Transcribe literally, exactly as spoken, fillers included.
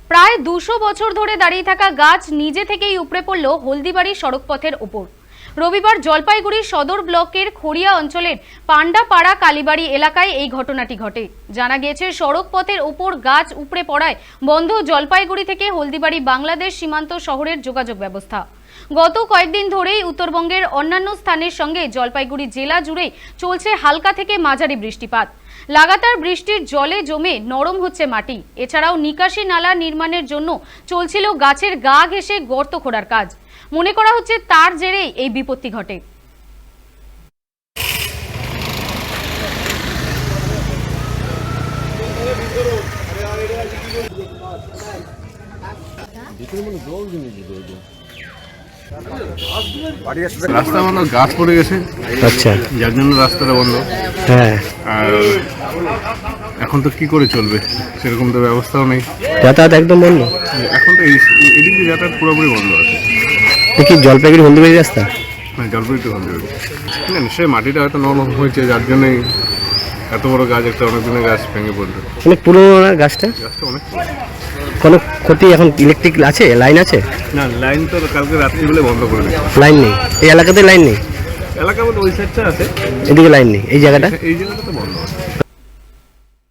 প্রায় দুশো বছর ধরে দাঁড়িয়ে থাকা গাছ নিজে থেকেই উপড়ে পড়ল হলদিবাড়ি সড়কপথের ওপর। রবিবার জলপাইগুড়ি সদর ব্লকের খড়িয়া অঞ্চলের পান্ডাপাড়া কালীবাড়ি এলাকায় এই ঘটনাটি ঘটে। জানা গিয়েছে, সড়ক পথের ওপর গাছ উপড়ে পড়ায় বন্ধ জলপাইগুড়ি থেকে হলদিবাড়ি বাংলাদেশ সীমান্ত শহরের যোগাযোগ ব্যবস্থা। গত কয়েকদিন ধরেই উত্তরবঙ্গের অন্যান্য স্থানের সঙ্গে জলপাইগুড়ি জেলা জুড়ে চলছে হালকা থেকে মাঝারি বৃষ্টিপাত। লাগাতার বৃষ্টির জলে জমে নরম হচ্ছে মাটি। এছাড়াও নিকাশি নালা নির্মাণের জন্য চলছিল গাছের গা ঘেঁষে গর্ত খোঁড়ার কাজ। মনে করা হচ্ছে তার জেরেই এই বিপত্তি ঘটে। রাস্তা বন্ধ, গাছ পড়ে গেছে। আচ্ছা, যার জন্য রাস্তাটা বন্ধ। হ্যাঁ, আর এখন তো কি করে চলবে, সেরকম তো ব্যবস্থাও নেই। যাতায়াত একদম বন্ধ। এখন তো এই এদিক দিয়ে যাতায়াত পুরোপুরি বন্ধ আছে। কি জলপাইগুড়ি হলদিবাড়ি রাস্তা? হ্যাঁ, জলপাইগুড়ি হলদিবাড়ি। না, নিশ্চয়ই মাটিটা হয়তো নরম হয়েছে, যার জন্যই এত বড় গাছ, একটা অনেক দিনের গাছ ভেঙে পড়লো। অনেক পুরোনো না গাছটা? গাছটা অনেক পুরনো। কোনো ক্ষতি? এখন ইলেকট্রিক আছে, লাইন আছে? না, লাইন তো কালকে রাত্রিবেলা বন্ধ করে দিয়েছে। লাইন নেই এই এলাকাতে? লাইন নেই এলাকা বলতে ওই সাইডটা আছে, এদিকে লাইন নেই। এই জায়গাটা এই জায়গাটা তো বন্ধ আছে।